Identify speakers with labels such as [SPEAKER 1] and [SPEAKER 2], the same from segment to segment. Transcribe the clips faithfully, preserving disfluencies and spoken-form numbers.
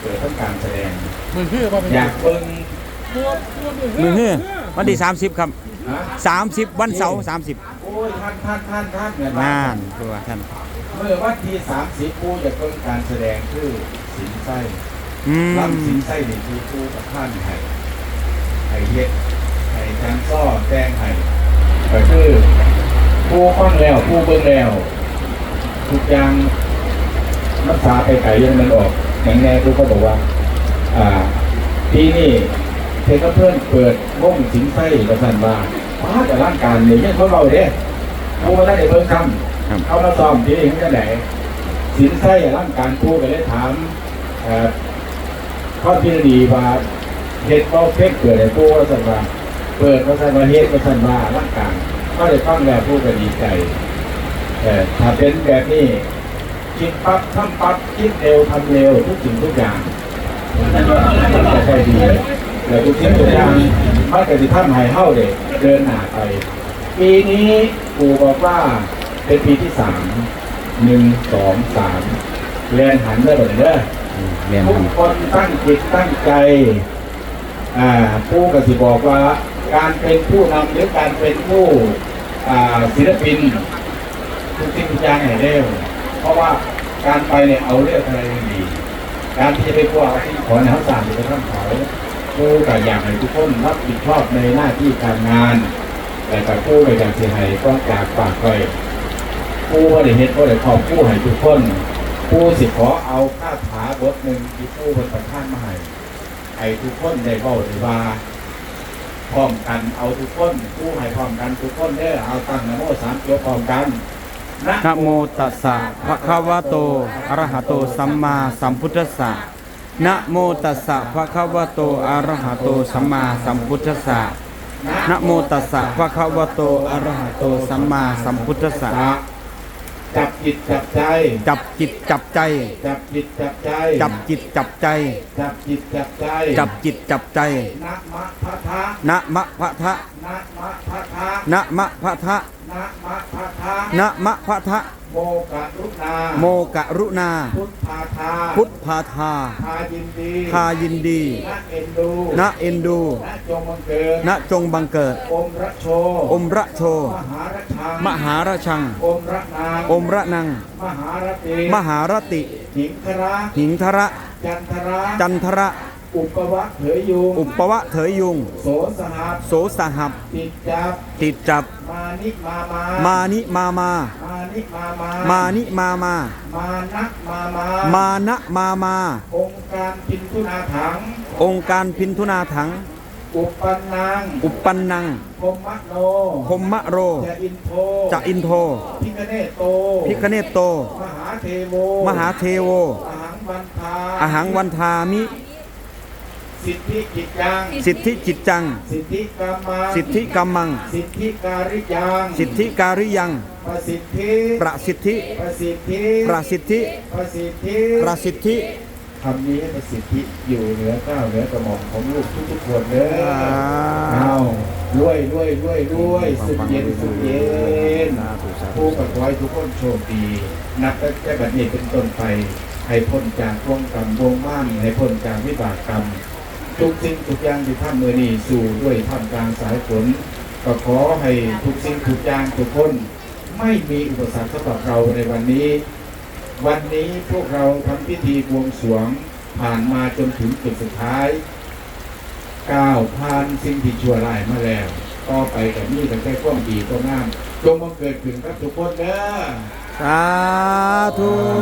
[SPEAKER 1] ปิดทำการแสดง
[SPEAKER 2] มือคือว่าเป็น
[SPEAKER 1] อยากเบิ่ง
[SPEAKER 2] มือคือวันที่สามสิบครับ
[SPEAKER 1] ฮะ
[SPEAKER 2] สามสิบวันเสาร์สามสิบ
[SPEAKER 1] โอ้ยท่านท่านท่านท่านเงิน
[SPEAKER 2] งานตัวท่าน
[SPEAKER 1] เมื่อวันที่สามสิบปูจะเบิ่งการแสดงคือสินไส้
[SPEAKER 2] อืม
[SPEAKER 1] ลำสินไส้นี่คือปูกับท่านไห้ไห้เฮ็ดไห้จางซ้อแจ้งไห้ก็คือปูฟังแล้วปูเบิ่งแล้วทุกอย่างรักษาไปไก่ยังมันออกอย่างแน่ปูก็บอกว่าอ่าปีนี้เทคเพื่อนเปิดวงสินไส้ประสันว่าป้าแต่ร่างการเนี่ยยังเขาเราเด้ปูมาได้เบิ่งคำเขามาซ้อมที่นี่เขาจะไหนสินไส้ร่างการปูไปเลยถามเอ่อข้อที่ดีว่าเฮ็ดก็เพ็กเปิดให้ปูว่าสันว่าเปิดว่าสันว่าเฮ็ดว่าสันว่าร่างการก็ได้ฟังแล้วปูก็ดีใจแต่ถ้าเป็นแบบนี้คิดปั๊บทำปั๊บคิดเร็วทำเร็วทุกสิ่งทุกอย่างมันจะใช่ดีแต่ทุกสิ่งทุกอย่างมันจะที่ท่านหายเข้าเด็กเดินหน้าไปปีนี้ปู่บอกว่าเป็นปีที่สามหนึ่งสองสามแลนหันได้หมดเลยเด้อ
[SPEAKER 2] เรียน
[SPEAKER 1] ทุกคนตั้งจิตตั้งใจอ่าผู้กสิบอกว่าการเป็นผู้นำหรือการเป็นผู้อ่าศิลปินทุกสิ่งทุกอย่างให้เร็วเพราะว่าการไปเนี่ยเอาเรื่องอะไรดี การที่จะไปกลัวที่ขอแนวสั่งไปทั้งเขาผู้กับอยากให้ทุกคนรับผิดชอบในหน้าที่การงาน แต่กับผู้ไปจากเสียหายก็จากปากไปผู้ว่าได้เฮ็ดก็ได้ขอบผู้ให้ทุกคนผู้สิขอเอาคาถาบทหนึ่งที่ผู้เป็นประธานมาให้ให้ทุกคนได้เบ้าได้ว่าพร้อมกันเอาทุกคนผู้ให้พร้อมกันทุกคนเด้อเอาตั้งนะโมสามจบพร้อมกัน
[SPEAKER 2] นะโมตัสสะภะคะวะโตอะระหะโตสัมมาสัมพุทธัสสะนะโมตัสสะภะคะวะโตอะระหะโตสัมมาสัมพุทธัสสะนะโมตัสสะภะคะวะโตอะระหะโตสัมมาสัมพุทธัสสะ
[SPEAKER 1] จับจิตจับใจ
[SPEAKER 2] จับจิตจับใจ
[SPEAKER 1] จับจิตจับใจ
[SPEAKER 2] จับจิตจับใจ
[SPEAKER 1] จับจิตจับใจ
[SPEAKER 2] จับจิตจับใจ
[SPEAKER 1] นะมะพะทะ
[SPEAKER 2] นะมะพะทะ
[SPEAKER 1] นะมะพะทะ
[SPEAKER 2] นะมะพะทะ
[SPEAKER 1] นะมะพะทะ
[SPEAKER 2] นะมะพะทะ
[SPEAKER 1] โมกะรุณา
[SPEAKER 2] โมกะรุณา
[SPEAKER 1] พุทธาทา
[SPEAKER 2] พุทธาทา
[SPEAKER 1] ทายินดี
[SPEAKER 2] ทายินดี
[SPEAKER 1] นะเอ็นดู
[SPEAKER 2] นะเอ็นดู
[SPEAKER 1] นะจงบังเกิด
[SPEAKER 2] นะจงบังเกิด
[SPEAKER 1] อมระโช
[SPEAKER 2] อมระโช
[SPEAKER 1] มหาระชัง
[SPEAKER 2] มหาราชัง
[SPEAKER 1] อมระนาง
[SPEAKER 2] อมระนัง
[SPEAKER 1] มหาระติ
[SPEAKER 2] มหารติ
[SPEAKER 1] หิงคระ
[SPEAKER 2] หิงทระ
[SPEAKER 1] จันทระ
[SPEAKER 2] จันทระ
[SPEAKER 1] อุปวะเถยยุง
[SPEAKER 2] อุปวะเถยยุง
[SPEAKER 1] โสสหัส
[SPEAKER 2] โสสหับ
[SPEAKER 1] ติดจับ
[SPEAKER 2] ติดจับ
[SPEAKER 1] มานิมามา
[SPEAKER 2] มานิมามา
[SPEAKER 1] มานิมามา
[SPEAKER 2] มานิมามา
[SPEAKER 1] มานะมามา
[SPEAKER 2] มานะมามา
[SPEAKER 1] องค์การพินทุนาถัง
[SPEAKER 2] องค์การพินทุนาถัง
[SPEAKER 1] อุปปันนัง
[SPEAKER 2] อุปปันนัง
[SPEAKER 1] พมมะโน
[SPEAKER 2] พมมะโร
[SPEAKER 1] จะอินโท
[SPEAKER 2] จะอินโท
[SPEAKER 1] พิคเนโต
[SPEAKER 2] พิคเนตโต
[SPEAKER 1] มหาเทโว
[SPEAKER 2] มหาเทโว
[SPEAKER 1] อหังวันทา
[SPEAKER 2] อหังวันทามิ
[SPEAKER 1] สิทธิกิจยัง
[SPEAKER 2] สิทธิจิตจัง
[SPEAKER 1] สิทธิกรรมัง
[SPEAKER 2] สิทธิกรรมัง
[SPEAKER 1] สิทธิการิยัง
[SPEAKER 2] สิทธิการิยัง
[SPEAKER 1] ประสิทธิ
[SPEAKER 2] ประสิทธิ
[SPEAKER 1] ประสิทธิ
[SPEAKER 2] ประสิทธิ
[SPEAKER 1] ประสิทธิ
[SPEAKER 2] ประสิทธิ
[SPEAKER 1] คำนี้ให้ประสิทธิอยู่เหนือก้าวเหนือกระหม่อมของลูกทุกๆคนเด้อเอารวยรวยรวยรวยสุดเย็นสุดเย็นผู้ประกอยทุกคนโชคดีนับตั้งแต่บัดนี้เป็นต้นไปให้พ้นจากวงกรรมวงม่านให้พ้นจากวิบากกรรมทุกสิ่งทุกอย่างที่ท่านมือนี้สู่ด้วยท่ามกลางสายฝนก็ขอให้ทุกสิ่งทุกอย่างทุกคนไม่มีอุปสรรคสำหรับเราในวันนี้ วันนี้พวกเราทำพิธีบวงสรวงผ่านมาจนถึงจุดสุดท้ายก้าวผ่านสิ่งที่ชั่วร้ายมาแล้วก็ไปกับนี่ตั้งแต่ความดีก็งามจงมาเกิดขึ้นกับทุกคนเด้อ
[SPEAKER 2] สาธุ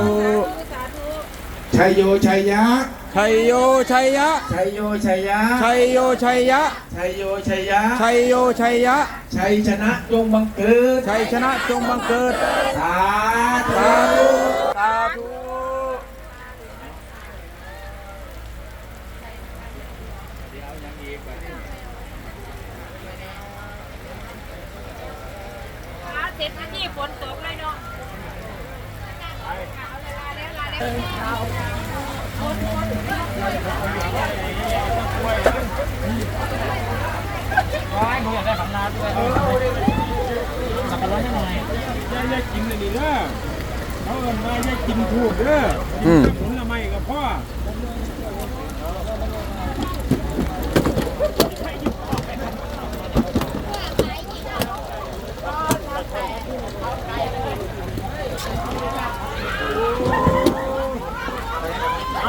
[SPEAKER 1] ชัยโยชัยยะ
[SPEAKER 2] ชัยโยชัยยะ
[SPEAKER 1] ชัยโยชัยยะ
[SPEAKER 2] ชัยโยชัยยะ
[SPEAKER 1] ชัยโยชัยยะ
[SPEAKER 2] ชัยโยชัยยะ
[SPEAKER 1] ชัยชนะจงบังเกิด
[SPEAKER 2] ชัยชนะจงบังเกิด
[SPEAKER 1] สาธุ
[SPEAKER 2] สาธุสาธุ
[SPEAKER 3] เสร็จแล้วนี่ฝนตกเลยเนาะเอาเลยลาแล้วลาแล้ว
[SPEAKER 4] ร้อยหนูอยากได้ขันนาด้วยสับปะรดให้หน่อยยายยายกินเลยดีเด้อเขาเอิ้นว่ายายกินถูกเด้อผลไม้กับพ่อ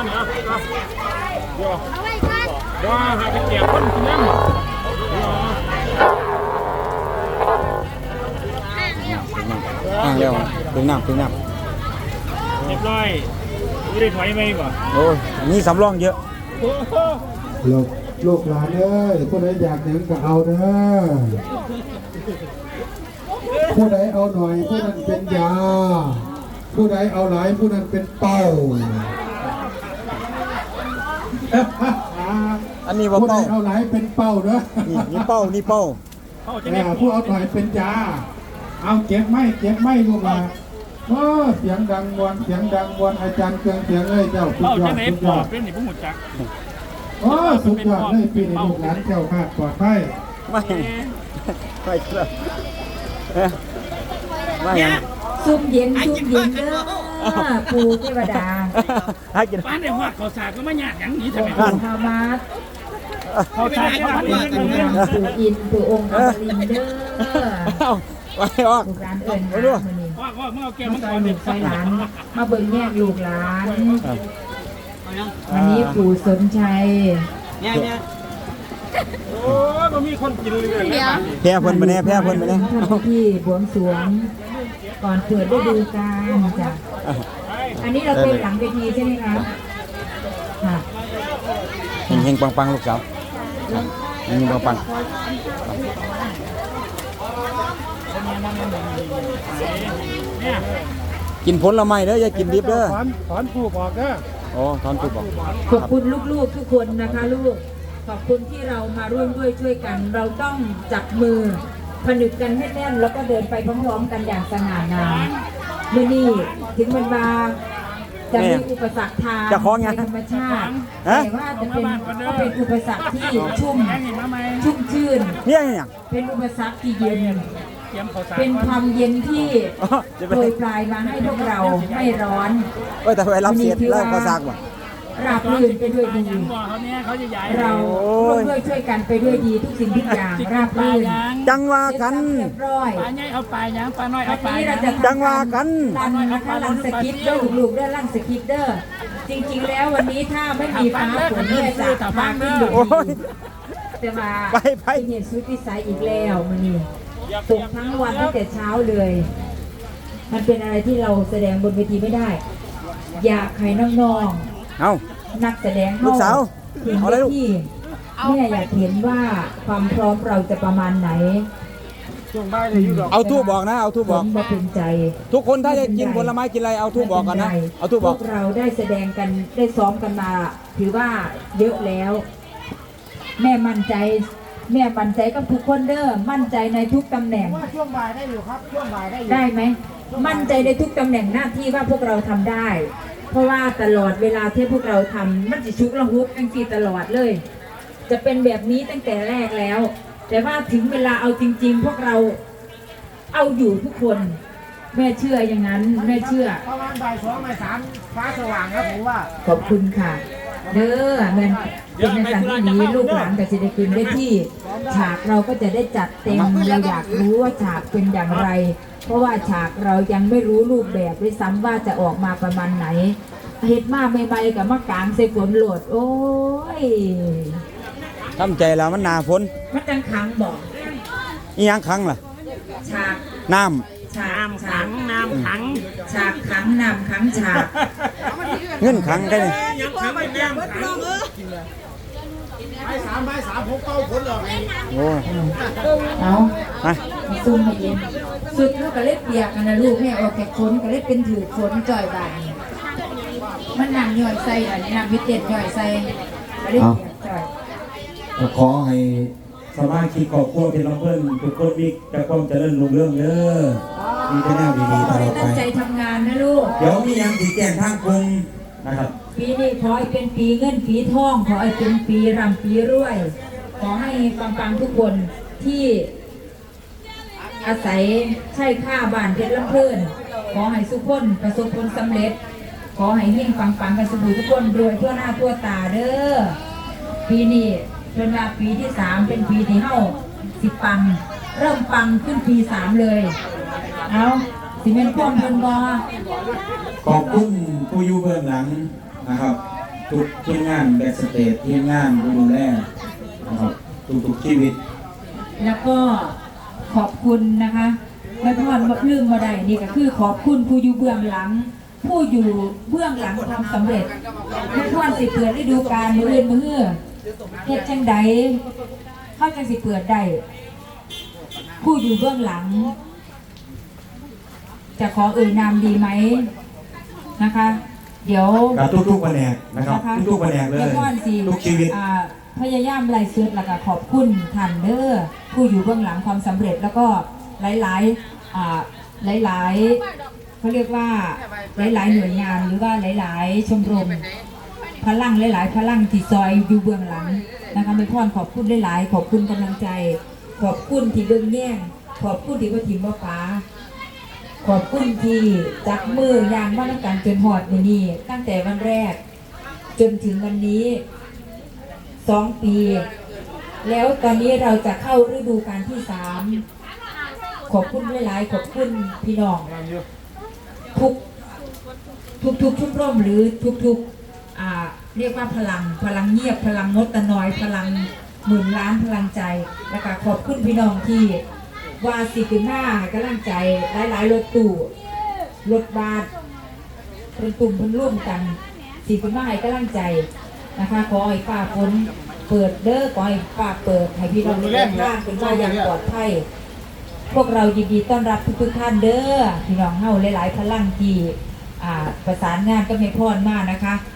[SPEAKER 4] นะเดี๋ยวเดี๋ยวหาไปแจกคนกินน้ำ
[SPEAKER 2] อ่างแล้วถึงน้ำถึงน้
[SPEAKER 4] เรียบร้อยไม่ได้ถอยไปป่ะ
[SPEAKER 2] ำโอ้ยมีสำรองเยอะ
[SPEAKER 1] ลูกลูกหลานเอ้ยผู้ใดอยากหยังก็เอาเด้อผู้ใดเอาหน่อยผู้นั้นเป็นยา ผู้ใดเอาหลายผู้นั้นเป็นเป้า
[SPEAKER 2] อันนี้ว่า
[SPEAKER 1] ผู้ใด
[SPEAKER 2] เป้า
[SPEAKER 1] เอาหลายเป็นเป้าเด้อ
[SPEAKER 2] นี่นี่เป้านี่เป้า
[SPEAKER 4] เขาจะ
[SPEAKER 1] เอ
[SPEAKER 4] ได้
[SPEAKER 1] อผู้เอาหน่อยเป็นยา เอาเก็บไม่เก็บไม่ลูกหลานโอ้เสียงดังวนเสียงดังวนอาจารย์เกืองเสียงเอ้ยเจ้าสุด
[SPEAKER 4] เขา
[SPEAKER 1] ยอ
[SPEAKER 4] จะ
[SPEAKER 1] ด
[SPEAKER 4] ไหน
[SPEAKER 1] สุด
[SPEAKER 4] ป
[SPEAKER 1] ย
[SPEAKER 4] อ
[SPEAKER 1] อ
[SPEAKER 4] ด
[SPEAKER 1] ด
[SPEAKER 4] เป็นนี่พวกหมดจัก
[SPEAKER 1] โอ้สุดยอดเลยปีนี้ลูกหลานเจ้าคาดปลอดภัย
[SPEAKER 2] ไม่ไม่เชื่อเอ๊ะไม่ยัง
[SPEAKER 3] ซุ่มเย็นซุ่มเย็นเด้อปูเทวดา
[SPEAKER 2] ให้กิน
[SPEAKER 4] ป้านในหัวเขาสากก็ไม่หยาดอย่างนี้
[SPEAKER 3] อ
[SPEAKER 4] ทำไม
[SPEAKER 3] งค์ปู่ฮามาส
[SPEAKER 4] เขาสากเขา
[SPEAKER 3] ปู่
[SPEAKER 4] ทำอย่างนี้
[SPEAKER 3] ปู่อินปู่องค์อมรินทร์เด้อ
[SPEAKER 2] เอาไปออก
[SPEAKER 3] ลูกหลานเอิญ
[SPEAKER 2] ไป
[SPEAKER 3] มา
[SPEAKER 2] ดู
[SPEAKER 3] มื้อนี้
[SPEAKER 4] ว่าว่าเมื่อเอาแก้ว
[SPEAKER 3] มา
[SPEAKER 4] มัง
[SPEAKER 3] ซ
[SPEAKER 4] ก
[SPEAKER 3] อย
[SPEAKER 4] ร
[SPEAKER 3] ลู
[SPEAKER 4] เนี่ย
[SPEAKER 3] กซอยหลาน มาเบิ่งแยกลูกหลาน วันนี้ปู่สนชัย
[SPEAKER 4] โอ้ยมันมีคนกินเลยนะ
[SPEAKER 2] แพ้เพิ่นไปแน่แพ้เพิ่นไปแน่
[SPEAKER 3] ท่านที่บวงสรวงก่อนเปิดฤดูกาลจ้ะอันนี้เราเป็นหลังเวทีใช่ไหมคะค่ะ
[SPEAKER 2] เฮงเฮงปังปังลูกสาวเฮงเฮงปังปัง
[SPEAKER 4] เนี่ย
[SPEAKER 2] กินผลไม้เด้ออย่ากินดิบเด้อ
[SPEAKER 1] ถอนถอนผูกออกเด้อ
[SPEAKER 2] โอ้ทอนตุกบอก
[SPEAKER 3] ขอบคุณลูกๆทุกคนนะคะลูก ขอบคุณที่เรามาร่วมด้วยช่วยกัน เราต้องจับมือผนึกกันให้แน่นแล้วก็เดินไปพร้อมๆกันอย่างสง่างามเมื่อนี้ถึงมันมาจะมีอุปสรรคทางธรรมชาติแต่ว่าจะเป็นก็เป็นอุปสรรคที่ชุ่ม
[SPEAKER 4] แม่งเห็นมาไหม
[SPEAKER 3] ชุ่มชื่น
[SPEAKER 2] เนี่ยเนี่ย
[SPEAKER 3] เป็นอุปสรรคที่เย็น
[SPEAKER 4] เตรียมเขาสาก
[SPEAKER 3] เป็นความเย็นที่
[SPEAKER 2] อ๋อจะไป
[SPEAKER 3] โปรยปลายมาให้พวกเราไม่ร้อน
[SPEAKER 2] เอ้ยแต่ไปรับเสียดแล้วก็ซากว่ะ
[SPEAKER 3] ราบรื่นไปด้วยดี
[SPEAKER 4] ยังบอกเขาเนี่ยเขาจะย้าย
[SPEAKER 3] เราร่วมด้วยช่วยกันไปด้วยดีทุกสิ่งทุกอย่างราบ
[SPEAKER 4] ปลา
[SPEAKER 3] รื่น
[SPEAKER 4] ยาง
[SPEAKER 2] จังว่ากัน
[SPEAKER 3] เรียบร้อย
[SPEAKER 4] ปลาใหญ่เอาปลายางปลาน้อย
[SPEAKER 3] วั
[SPEAKER 4] เอา
[SPEAKER 3] น
[SPEAKER 4] ปลา
[SPEAKER 3] นี้
[SPEAKER 4] ยา
[SPEAKER 3] เรา
[SPEAKER 4] ง
[SPEAKER 3] จะ
[SPEAKER 2] จังว่ากัน
[SPEAKER 3] รันนะคะรันสกิปเดอร์ลูกๆเด้อรันสกิปเดอร์จริงๆแล้ววันนี้ถ้าไม่มีฟ้าฝนเนี่ยจะพาขึ้นอยู่
[SPEAKER 2] โอ้ย
[SPEAKER 3] แต่มา
[SPEAKER 2] ไปไป
[SPEAKER 3] เป็นเหตุสุดวิสัยอีกแล้วมันนี่ตกทั้งวันตั้งแต่เช้าเลย มันเป็นอะไรที่เราแสดงบนเวทีไม่ได้ อยากให้น้องๆ
[SPEAKER 2] เอา
[SPEAKER 3] นักแสดง
[SPEAKER 2] ลูกสาว
[SPEAKER 3] เห็น
[SPEAKER 2] เอาเลยลูก
[SPEAKER 3] ที่แม่อยากเห็นว่าความพร้อมเราจะประมาณไหน
[SPEAKER 2] เอาทูบบอกนะเอาทูบ
[SPEAKER 3] ผ
[SPEAKER 2] บอก
[SPEAKER 3] มมาเป็นใจ
[SPEAKER 2] ทุกคนถ้าจะกินผลไม้กินอะไรเอาทูบบอกกันนะเอาทูบ
[SPEAKER 3] พ
[SPEAKER 2] บอ
[SPEAKER 3] ว
[SPEAKER 2] ก
[SPEAKER 3] กเราได้แสดงกันได้ซ้อมกันมา ถือว่าเยอะแล้ว แม่มั่นใจ แม่มั่นใจกับทุกคนเด้อมั่นใจในทุกตำแหน่ง
[SPEAKER 5] ช่วงบ่ายได้อยู่ครับ ช่วงบ่ายได้อยู่
[SPEAKER 3] ได้ไหมมั่นใจในทุกตำแหน่งหน้าที่ว่าพวกเราทำได้ เพราะว่าตลอดเวลาที่พวกเราทำมันจะชุกระหุกตั้งทีตลอดเลย จะเป็นแบบนี้ตั้งแต่แรกแล้ว แต่ว่าถึงเวลาเอาจริง ๆ พวกเราเอาอยู่ทุกคน แม่เชื่ออย่างนั้นแม่เชื่อ
[SPEAKER 5] ประมาณบ่ายสองบ่ายสามฟ้าสว่างครับผมว่า
[SPEAKER 3] ขอบคุณค่ะ เด้อแม่นเป็นในสันที่นี้ลูกหลานกับศิลปินได้ที่ ฉากเราก็จะได้จัดเต็มเราอยากรู้ว่าฉากเป็นอย่างไร เพราะว่าฉากเรายังไม่รู้รูปแบบด้วยซ้ำว่าจะออกมาประมาณไหนเฮ็ดมาใหม่ๆกับมะกางใส่ฝนโหลด โอ้ย
[SPEAKER 2] ทำใจแล้วมันหนาฝน
[SPEAKER 3] มันจังขังบอก
[SPEAKER 2] อีหยังครั้งล่ะ
[SPEAKER 3] ฉาก
[SPEAKER 2] น้
[SPEAKER 3] ฉาก
[SPEAKER 4] น้ำ
[SPEAKER 3] ฉา
[SPEAKER 4] ขั
[SPEAKER 3] ก
[SPEAKER 4] งน้ำขัง
[SPEAKER 3] ฉากขังนำขังฉาก
[SPEAKER 2] ำเงินครั้งกันเลย
[SPEAKER 4] ยังขังไม่แก้มขัง
[SPEAKER 5] บ่ายสามบ่ายสามผมเก้าผลหรอกไอ้
[SPEAKER 2] โอ้ย
[SPEAKER 3] เอา
[SPEAKER 2] มา
[SPEAKER 3] ซุ่มมาเย็นสุดลูกก็เล็บเปียกกันนะลูกแม่ออกแกะขนก็เล็บเป็นถือขนจ่อยบานนี่มันนำย่อยใส่อันนี้นำวิเศษย่อยใส่ก็เล็บเปียกจ่อย
[SPEAKER 6] ก็ขอให้สมาชิกครอบครัวเป็นลำเพิ่นทุกคนมีแต่ความเจริญรุ่งเรืองเด้อมีแต่แนวดีๆต
[SPEAKER 3] ขอ
[SPEAKER 6] ล
[SPEAKER 3] ให้
[SPEAKER 6] อดไป
[SPEAKER 3] ตั้งใจทำงานนะลูก
[SPEAKER 6] เดี๋ยวมียังสีแจ้งทางกลุ่มนะครับ
[SPEAKER 3] ปีนี้ขอให้เป็นปีเงินปีทอง ขอให้เป็นปีรำปีรวย ขอให้ปังๆทุกคนที่อาศัยใช้ค่าบ้านเพชรลำเพลินขอให้สุขคนประสบผลสำเร็จ ขอให้เฮงปังๆกันสุขทุกคนรวยทั่วหน้าทั่วตาเด้อปีนี้เป็นว่าปีที่สามเป็นปีที่เฮาสิปัง เริ่มปังขึ้นปีสามเลย เอาสิเป็นพ่วงเพิ่นบอ
[SPEAKER 6] ขอบคุณผู้อยู่เบื้องหลังนะครับทุกทีมงานแบ็กสเตจทีมงานผู้ดูแลนะครับทุกๆชีวิต
[SPEAKER 3] แล้วก็ขอบคุณนะคะแม่พรมาลืมมาได้นี่ก็คือขอบคุณผู้อยู่เบื้องหลัง ผู้อยู่เบื้องหลังความสำเร็จแม่พรสิเปิดฤดูกาลมื้ออื่นมื้อฮื้อเฮ็ดจังใดเข้าจังสิเปิดได้ผู้อยู่เบื้องหลัง จะขอเอ่ยนามดีไหมนะคะ เดี๋ยว
[SPEAKER 6] กับทุกๆแผนกนะครับทุกๆแผนกเลย
[SPEAKER 3] แม่พรสิ
[SPEAKER 6] ทุกชีวิต
[SPEAKER 3] อ่าพยายามไล่สุดแล้วก็ขอบคุณท่านเด้อผู้อยู่เบื้องหลังความสำเร็จแล้วก็หลายๆอ่าหลายๆเขาเรียกว่าหลายๆหน่วยงานหรือว่าหลายๆชมรมพลังหลายๆพลังที่ซอยอยู่เบื้องหลังนะคะแม่พรขอบคุณหลายๆขอบคุณกำลังใจ ขอบคุณที่เบื้องแย่งขอบคุณที่ว่าทีมว่าฟ้าขอบคุณที่จับมือยางมาตั้งกันจนหอดมื้อนี้ตั้งแต่วันแรก จนถึงวันนี้สองปี แล้วตอนนี้เราจะเข้าฤดูกาลที่สามขอบคุณหลายๆขอบคุณพี่น้องทุกทุกทุกชุมร่มหรือทุกทุกอ่าเรียกว่าพลังพลังเงียบพลังงดตะนอยพลังหมื่นล้านพลังใจแล้วก็ขอบคุณพี่น้องที่ว่าสิขึ้นหน้าให้กำลังใจหลายๆรถตู้รถบัสเป็นตุ่มเป็นร่วมกันสิขึ้นหน้าให้กำลังใจนะคะขอให้ฝ่าฝนเปิดเด้อขอให้ฝ่าเปิดให้พี่น้องเดินทางเป็นว่าอย่างปลอดภัยพวกเรายินดีต้อนรับทุกๆท่านเด้อพี่น้องเฮาหลายๆพลังที่อ่าประสานงานก็ไม่พอดมากนะคะ